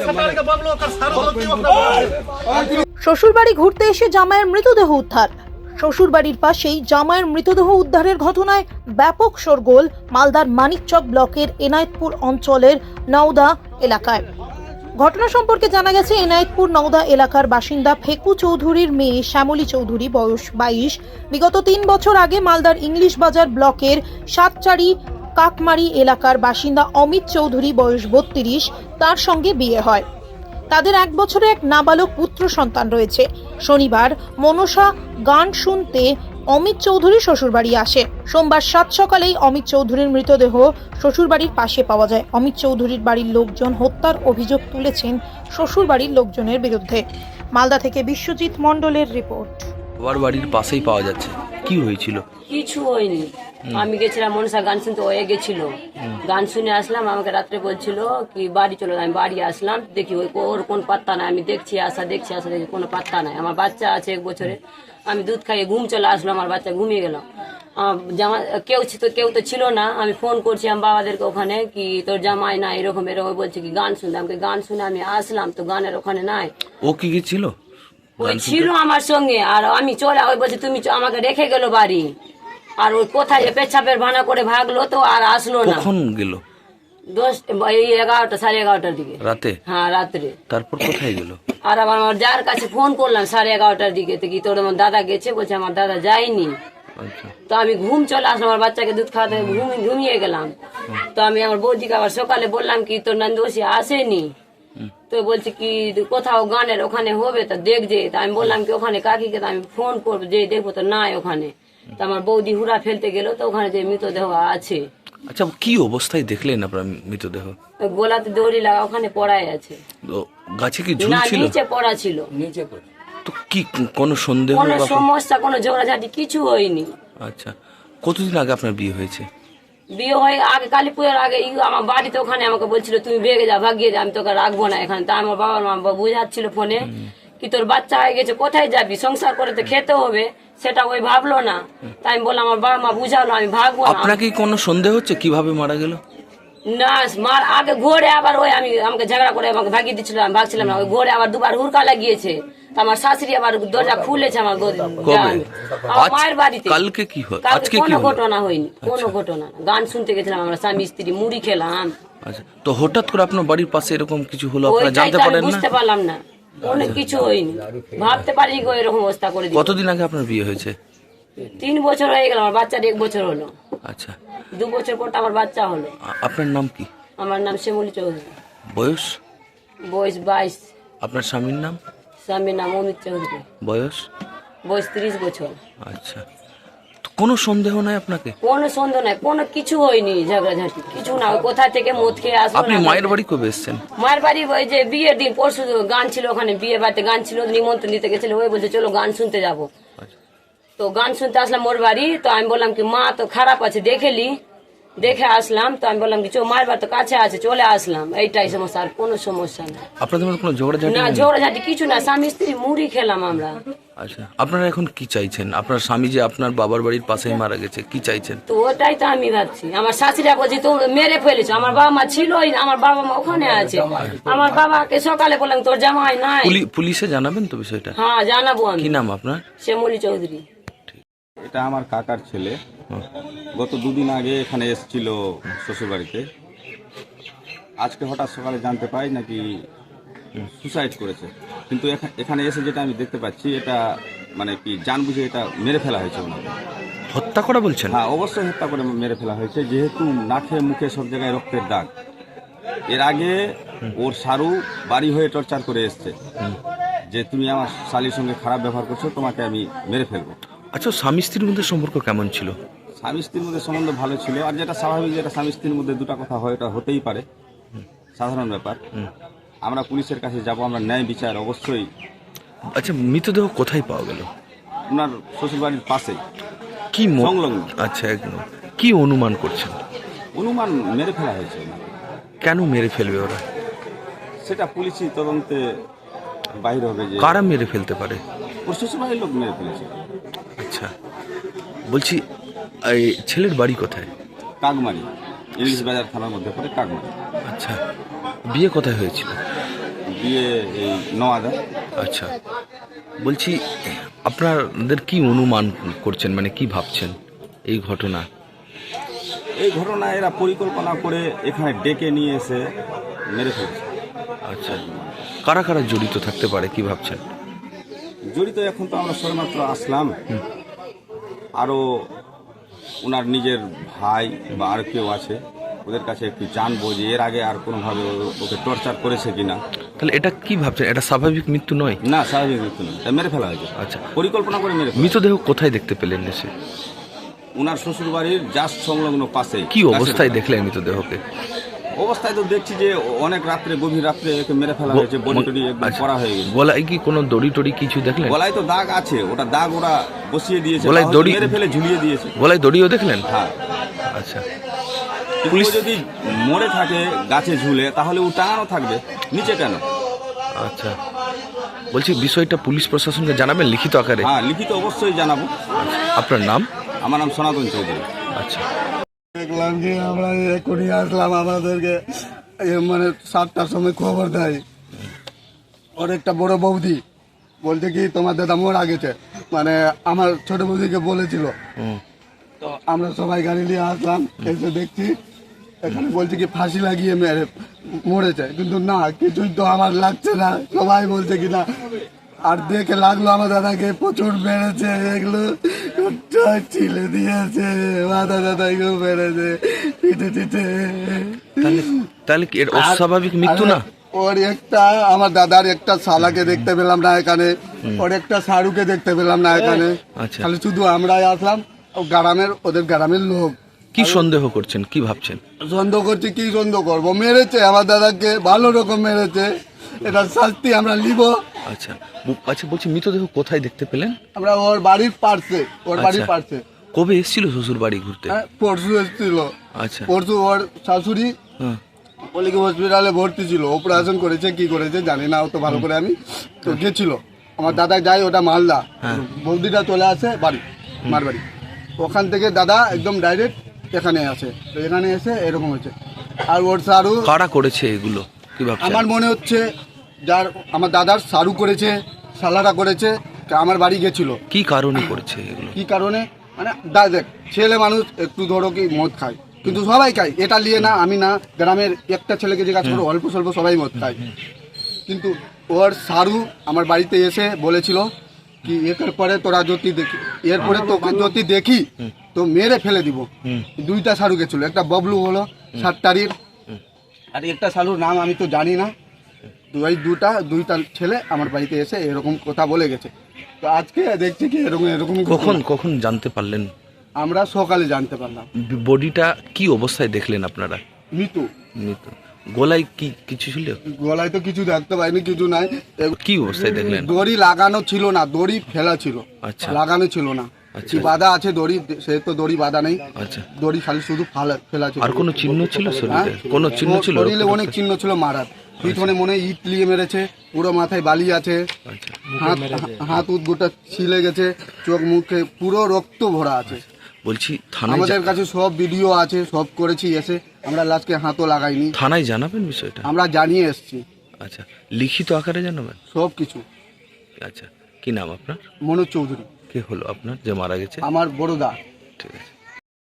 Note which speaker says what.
Speaker 1: শ্বশুরবাড়ি ঘুরতে এসে জামাইয়ের মৃতদেহ উদ্ধার। শ্বশুরবাড়ির পাশেই জামাইয়ের মৃতদেহ উদ্ধারের ঘটনায় ব্যাপক শোরগোল মালদার মানিকচক ব্লকের এনায়েতপুর অঞ্চলের নওদা এলাকায়। ঘটনা সম্পর্কে জানা গেছে, এনায়েতপুর নওদা এলাকার বাসিন্দা ফেকু চৌধুরীর মেয়ে শ্যামলী চৌধুরী, বয়স 22, বিগত 3 বছর আগে মালদার ইংলিশ বাজার ব্লকের সাতচারি কাকমারি এলাকার বাসিন্দা অমিত চৌধুরী, বয়স 32, তার সঙ্গে বিয়ে হয়। তাদের 1 বছরে এক নাবালক পুত্র সন্তান রয়েছে। শনিবার মনসা গান শুনতে অমিত চৌধুরী শ্বশুরবাড়ি আসে। সোমবার 7 সকালেই অমিত চৌধুরীর মৃতদেহ শ্বশুরবাড়ির পাশে পাওয়া যায়। অমিত চৌধুরীর বাড়ির লোকজন হত্যার অভিযোগ তুলেছেন শ্বশুরবাড়ির লোকজনের বিরুদ্ধে। মালদা থেকে বিশ্বজিৎ মণ্ডলের রিপোর্ট।
Speaker 2: বাবার বাড়ির পাশেই পাওয়া যাচ্ছে, কি হয়েছিল?
Speaker 3: কিছু হয়নি। আমি গেছিলাম মনসা গান শুনতে, ওয়ে গেছিল, গান শুনে আসলাম। আমাকে রাত্রে বলছিল কি বাড়ি চলো, আমি বাড়ি আসলাম, দেখি ওর কোন পাত্তা নাই। আমি দেখছি আসা দেখি কোনো পাত্তা নাই। আমার বাচ্চা আছে 1 বছরে। আমি দুধ খাইয়ে ঘুম চলে আসলো, আমার বাচ্চা ঘুমিয়ে গেল। জামা কেউ তো ছিল না। আমি ফোন করছি আমার বাবাদেরকে ওখানে, কি তোর জামাই না এরকম বলছে কি গান শুনতে। আমাকে গান শুনে আমি আসলাম, তো গানের ওখানে নাই।
Speaker 2: ও কি ছিল?
Speaker 3: ওই ছিল আমার সঙ্গে, আর আমি চলে ওই বলছে তুমি আমাকে রেখে গেল বাড়ি। আর ওই কোথায় পেছাপের ভানা করে ভাগলো, তো আর আসলো না।
Speaker 2: কখন গেল?
Speaker 3: 11টা 11:30টার দিকে
Speaker 2: রাতে?
Speaker 3: হ্যাঁ, রাত্রে।
Speaker 2: তারপর কোথায় গেল?
Speaker 3: আর আমার যার কাছে ফোন করলাম 11:30টার দিকে, তো কি তোর আমার দাদা গেছে, বলছে আমার দাদা যায়নি। তো আমি ঘুম চলে আসলাম, আমার বাচ্চাকে দুধ খাওয়াতে ঘুমিয়ে গেলাম। তো আমি আমার বৌদিকে আবার সকালে বললাম কি তোর নন্দোষী আসেনি। তো বলছে কি কোথাও গানের ওখানে হবে, তো দেখছে। তা আমি বললাম কি ওখানে কাকিকে আমি ফোন করবো, যে দেখবো তো নাই ওখানে। তো আমার বৌদি হুড়া ফেলতে গেল, তো ওখানে যে মৃতদেহ আছে।
Speaker 2: আচ্ছা, কি অবস্থায় দেখলেন আপনার মৃতদেহ?
Speaker 3: গোলাতে দড়ি লাগা ওখানে পড়াই আছে।
Speaker 2: গাছে কি
Speaker 3: না,
Speaker 2: ঝুলছিল?
Speaker 3: নিচে পড়া ছিল।
Speaker 2: তো কি কোনো সন্দেহ?
Speaker 3: কোনো সমস্যা, কোনো ঝগড়াঝাটি কিছু হয়নি।
Speaker 2: আচ্ছা, কতদিন আগে আপনার বিয়ে হয়েছে?
Speaker 3: বিয়ে হয়ে আগে কালী পুজোর আগে আমার বাড়িতে ওখানে আমাকে বলছিল তুমি বেগে যা, ভাগিয়ে যা, আমি তোকে রাখবো না এখানে। তা আমার বাবার মা বুঝাচ্ছিল ফোনে কি তোর বাচ্চা হয়ে গেছে, কোথায় যাবি, সংসার করে তো খেতে হবে, সেটা ওই ভাবলো না। তাই আমি বললাম আমার বাবা মা বুঝালো আমি ভাগবো না।
Speaker 2: আপনাকে কোনো সন্দেহ হচ্ছে কিভাবে মারা গেল?
Speaker 3: না, মার আগে ঘোরে আবার ওই আমাকে ঝগড়া করে আমাকে ভাগিয়ে দিচ্ছিল, আমি ভাগছিলাম না। ওই ঘোরে আবার 2বার হুড়কা লাগিয়েছে। আমার শাশুড়ি আবার দরজা খুলেছে আমার মায়ের বাড়িতে।
Speaker 2: কালকে কি হয়? আজকে
Speaker 3: কোনো ঘটনা হয়নি, কোনো ঘটনা না। গান শুনতে গেছিলাম আমরা স্বামী স্ত্রী, মুড়ি খেলাম।
Speaker 2: আচ্ছা, তো হঠাৎ করে আপনার বাড়ির পাশে এরকম কিছু হলো, আপনারা জানতে পারেন না?
Speaker 3: বুঝতে পারলাম না, অনেক কিছু হয়নি, ভাবতে পারিনি এরকম অবস্থা করে দিই।
Speaker 2: কতদিন আগে আপনার বিয়ে হয়েছে?
Speaker 3: 3 বছর হয়ে গেল, আমার বাচ্চার 1 বছর হলো।
Speaker 2: আচ্ছা,
Speaker 3: 2 বছর পর তো আমার বাচ্চা হলো।
Speaker 2: আপনার নাম কি?
Speaker 3: আমার নাম শ্যামলী চৌধুরী,
Speaker 2: বয়স?
Speaker 3: বয়স 22।
Speaker 2: আপনার স্বামীর নাম?
Speaker 3: স্বামীর নাম অমিত চৌধুরী,
Speaker 2: বয়স?
Speaker 3: বয়স 30 বছর।
Speaker 2: আচ্ছা, তো কোনো সন্দেহ নাই আপনাকে?
Speaker 3: কোনো সন্দেহ নাই, কোনো কিছু হয়নি, ঝগড়াঝাটি কিছু না। ওই কোথা থেকে মদ খেয়ে আসলো।
Speaker 2: আপনি মায়ের বাড়ি কবে এসেছেন?
Speaker 3: মায়ের বাড়ি ওই যে বিয়ের দিন, পরশু গান ছিল ওখানে, বিয়ে বাড়িতে গান ছিল, নিমন্ত্রণ দিতে গেছিল। ওই বলছে চলো গান শুনতে যাবো। তো গান শুনতে আসলাম ওর বাড়ি। তো আমি বললাম কি মা তো খারাপ আছে, দেখে আসলাম। তো আমি বললাম কি মায়ের বাড়ি তো কাছে আছে, চলে আসলাম। এইটাই সমস্যা, আর কোনো সমস্যা না।
Speaker 2: আপনাদের মধ্যে কোনো ঝগড়াঝাটি
Speaker 3: না,
Speaker 2: নেই?
Speaker 3: ঝগড়াঝাটি কিছু না, স্বামী স্ত্রী মুড়ি খেলাম আমরা।
Speaker 2: আচ্ছা, আপনারা এখন কি চাইছেন? আপনার স্বামী যে আপনার বাবার বাড়ির পাশেই মারা গেছে, কি চাইছেন?
Speaker 3: তো ওটাই তো আমি ভাবছি। আমার শাশুড়া বলছি তো মেরে ফেলেছো, আমার বাবা মা ছিলই না, আমার বাবা মা ওখানে আছে। আমার বাবাকে সকালে বললাম তোর জামাই নাই।
Speaker 2: পুলিশে জানাবেন তো বিষয়টা?
Speaker 3: হ্যাঁ, জানাবো আমি।
Speaker 2: কি নাম আপনার?
Speaker 3: শ্যামলী চৌধুরী।
Speaker 4: এটা আমার কাকার ছেলে। গত 2 দিন আগে এখানে এসেছিল শ্বশুরবাড়িতে। আজকে হঠাৎ সকালে জানতে পাই নাকি সুসাইড করেছে। কিন্তু এখানে এসে যেটা আমি দেখতে পাচ্ছি, এটা মানে কি জানবুঝে এটা মেরে ফেলা হয়েছে ওনাকে।
Speaker 2: হত্যা করা বলছেন?
Speaker 4: হ্যাঁ, অবশ্যই হত্যা করে মেরে ফেলা হয়েছে, যেহেতু নাকে মুখে সব জায়গায় রক্তের দাগ। এর আগে ওর সারু বাড়ি হয়ে টর্চার করে এসছে যে তুমি আমার শালির সঙ্গে খারাপ ব্যবহার করছো, তোমাকে আমি মেরে ফেলবো।
Speaker 2: আচ্ছা, স্বামী স্ত্রীর মধ্যে সম্পর্ক কেমন ছিল?
Speaker 4: স্বামী স্ত্রীর মধ্যে সম্বন্ধ ভালো ছিল। আর যেটা স্বাভাবিক, যেটা স্বামী স্ত্রীর মধ্যে দুটা কথা হয়, এটা হতেই পারে, সাধারণ ব্যাপার। আমরা পুলিশের কাছে যাব, আমরা ন্যায় বিচার অবশ্যই।
Speaker 2: আচ্ছা, মৃতদেহ কোথায় পাওয়া গেল?
Speaker 4: ওনার শ্বশুরবাড়ির পাশেই,
Speaker 2: কি
Speaker 4: সংলগ্ন।
Speaker 2: আচ্ছা, একদম। কি অনুমান করছেন?
Speaker 4: অনুমান মেরে ফেলা হয়েছে ওনাকে।
Speaker 2: কেন মেরে ফেলবে ওরা?
Speaker 4: সেটা পুলিশি তদন্তে বাইরে হবে যে
Speaker 2: কারা মেরে ফেলতে পারে।
Speaker 4: ওর শ্বশুরবাড়ির লোক মেরে ফেলেছে।
Speaker 2: আচ্ছা, বলছি এই ছেলের বাড়ি কোথায়?
Speaker 4: কাকমারি, ইংলিশ বাজার থানার মধ্যে পড়ে কাকমারি।
Speaker 2: আচ্ছা, বিয়ে কোথায় হয়েছিল?
Speaker 4: বিয়ে এই নওয়াদা।
Speaker 2: আচ্ছা, বলছি আপনাদের কি অনুমান করছেন, মানে কি ভাবছেন এই ঘটনা?
Speaker 4: এই ঘটনা এরা পরিকল্পনা করে এখানে ডেকে নিয়ে এসে মেরে ফেলছে।
Speaker 2: আচ্ছা, কারা কারা জড়িত থাকতে পারে কি ভাবছেন?
Speaker 4: জড়িত এখন তো আমরা সবেমাত্র আসলাম, আরও ওনার নিজের ভাই বা আর কেউ আছে, ওদের কাছে একটু জানবো যে এর আগে আর কোনোভাবে ওকে টর্চার করেছে কিনা।
Speaker 2: তাহলে এটা কি ভাবছেন, এটা স্বাভাবিক মৃত্যু নয়?
Speaker 4: না, স্বাভাবিক মৃত্যু নয়, এটা মেরে ফেলা হয়েছে।
Speaker 2: আচ্ছা,
Speaker 4: পরিকল্পনা করে মেরে ফেলা।
Speaker 2: মৃতদেহ কোথায় দেখতে পেলেন এসে?
Speaker 4: ওনার শ্বশুর বাড়ির জাস্ট সংলগ্ন পাশে।
Speaker 2: কি অবস্থায় দেখলেন মৃতদেহকে?
Speaker 4: অবস্থায় তো দেখছি যে অনেক রাত্রে, গভীর রাত্রে একে মেরে ফেলা হয়েছে, বডি টডি একদম
Speaker 2: আচ্ছা,
Speaker 4: করা হয়ে গেছে।
Speaker 2: গলায় কি কোনো দড়ি টড়ি কিছু দেখলেন?
Speaker 4: গলায় তো দাগ আছে, ওটা দাগ ওরা বসিয়ে দিয়েছে,
Speaker 2: গলায়
Speaker 4: বা
Speaker 2: দড়ি-
Speaker 4: মেরে ফেলে ঝুলিয়ে দিয়েছে।
Speaker 2: গলায় দড়িও দেখলেন?
Speaker 4: হ্যাঁ।
Speaker 2: আচ্ছা,
Speaker 4: পুলিশ যদি মরে থাকে গাছে ঝুলে, তাহলে ও টাঙানো থাকবে, নিচে কেন?
Speaker 2: আচ্ছা, বলছি বিষয়টা পুলিশ প্রশাসনকে জানাবেন লিখিত আকারে?
Speaker 4: হ্যাঁ, লিখিত অবশ্যই জানাবো।
Speaker 2: আপনার নাম?
Speaker 4: আমার নাম সনাতন চৌধুরী।
Speaker 2: আচ্ছা,
Speaker 5: দেখলাম কি আমরা এক্ষুনি আসলাম, আমাদেরকে মানে 7টার সময় খবর দেয় ওর একটা বড় বৌদি, বলছে কি তোমার দাদা মারা গেছে, মানে আমার ছোট বৌদিকে বলেছিল। তো আমরা সবাই গাড়ি নিয়ে আসলাম, এসে দেখছি এখানে বলছে কি ফাঁসি লাগিয়ে মরেছে, কিন্তু না, কিছুই তো আমার লাগছে না, সবাই বলছে কি না। আর দেখে লাগলো আমার দাদাকে প্রচুর বেড়েছে, এগুলো ছিলে দিয়েছে, মাথা দাদাকেও বেড়েছে, পিঠে পিঠে।
Speaker 2: তাহলে কি এর অস্বাভাবিক মৃত্যু না?
Speaker 5: ওর একটা, আমার দাদার একটা শালাকে দেখতে পেলাম না এখানে, ওর একটা সারুকে দেখতে পেলাম না এখানে,
Speaker 2: আচ্ছা,
Speaker 5: খালি শুধু আমরাই আসলাম। গ্রামের, ওদের গ্রামের লোক।
Speaker 2: কি সন্দেহ করছেন, কি ভাবছেন?
Speaker 5: সন্দেহ করছি, কি সন্দেহ করবো, মেরেছে আমার দাদাকে, ভালো রকম মেরেছে, এটা শাস্তি আমরা নিব।
Speaker 2: আচ্ছা, আচ্ছা, বলছি মৃতদেহ কোথায় দেখতে পেলেন?
Speaker 5: আমরা ওর বাড়ির পার্শ্বে, ওর বাড়ির
Speaker 2: আচ্ছা।
Speaker 5: পার্শ্বে।
Speaker 2: কবে এসেছিল শ্বশুর বাড়ি ঘুরতে?
Speaker 5: হ্যাঁ, পরশু এসেছিল।
Speaker 2: আচ্ছা,
Speaker 5: পরশু ওর শাশুড়ি
Speaker 2: হ্যাঁ,
Speaker 5: পলিকি হসপিটালে ভর্তি ছিল, অপারেশন করেছে, কি করেছে জানি না, অত ভালো করে আমি তো গেছিল। আমার দাদা যাই, ওটা মালদা, বৌদিটা চলে আসে বাড়ি, মার বাড়ি, ওখান থেকে দাদা একদম ডাইরেক্ট এখানে আসে, তো এখানে এসে এরকম হয়েছে। আর ওর সারু,
Speaker 2: কারা করেছে এগুলো কি ভাবছেন?
Speaker 5: আমার মনে হচ্ছে যার, আমার দাদার সারু করেছে, সালারা করেছে, আমার বাড়ি গেছিল।
Speaker 2: কি কারণে করেছে এগুলো?
Speaker 5: কি কারণে মানে দেখ, ছেলে মানুষ একটু ধরো কি মদ খায়, কিন্তু সবাই খায়, এটা নিয়ে না, আমি না, গ্রামের একটা ছেলেকে জিজ্ঞাসা করো, অল্প স্বল্প সবাই মদ খায়। কিন্তু ওর সারু আমার বাড়িতে এসে বলেছিল কি এর পরে তোরা যদি দেখি, এরপরে তোকে যদি দেখি তো মেরে ফেলে দিব। দুইটা সারু গেছিল, একটা ববলু হলো 7 তারিখ, আর একটা সারুর নাম আমি তো জানি না। দুইটা ছেলে আমার বাড়িতে এসে এরকম কথা বলে গেছে। তো আজকে দেখছি কি এরকম
Speaker 2: কখন জানতে পারলেন?
Speaker 5: আমরা সকালে জানতে পারলাম।
Speaker 2: বডিটা কি অবস্থায় দেখলেন আপনারা?
Speaker 5: মৃত্যু।
Speaker 2: মৃত। গলায় কি কিছু ছিল?
Speaker 5: গলায় তো কিছু দেখতে পাইনি, কিছু নাই।
Speaker 2: কি অবস্থায় দেখলেন?
Speaker 5: দড়ি লাগানো ছিল না, দড়ি ফেলা ছিল,
Speaker 2: আচ্ছা,
Speaker 5: লাগানো ছিল না।
Speaker 2: আচ্ছা,
Speaker 5: কি বাঁধা আছে দড়ি, সে তো দড়ি বাঁধা নেই,
Speaker 2: আচ্ছা।
Speaker 5: দড়ি খালি শুধু ফেলা ছিল।
Speaker 2: আর কোনো চিহ্ন ছিল শরীরে?
Speaker 5: হ্যাঁ?
Speaker 2: কোনো চিহ্ন ছিল?
Speaker 5: শরীরে অনেক চিহ্ন ছিল মারার, পিছনে মনে হয় ইট লিয়ে মেরেছে, পুরো মাথায় বালি আছে,
Speaker 2: আচ্ছা,
Speaker 5: হাত উদ্গুটা ছিলে গেছে, চোখ মুখে পুরো রক্ত ভরা আছে।
Speaker 2: বলছি থানায়
Speaker 5: আমাদের কাছে সব ভিডিও আছে, সব করেছি এসে, আমরা লাস্টকে হাতও লাগাইনি।
Speaker 2: থানায় জানাবেন বিষয়টা?
Speaker 5: আমরা জানিয়ে এসছি
Speaker 2: আচ্ছা, লিখিত আকারে জানাবেন?
Speaker 5: সব কিছু।
Speaker 2: আচ্ছা, কি নাম আপনার?
Speaker 5: মনোজ চৌধুরী।
Speaker 2: কে হলো আপনার যে মারা গেছে?
Speaker 5: আমার বড় দা।
Speaker 2: ঠিক আছে।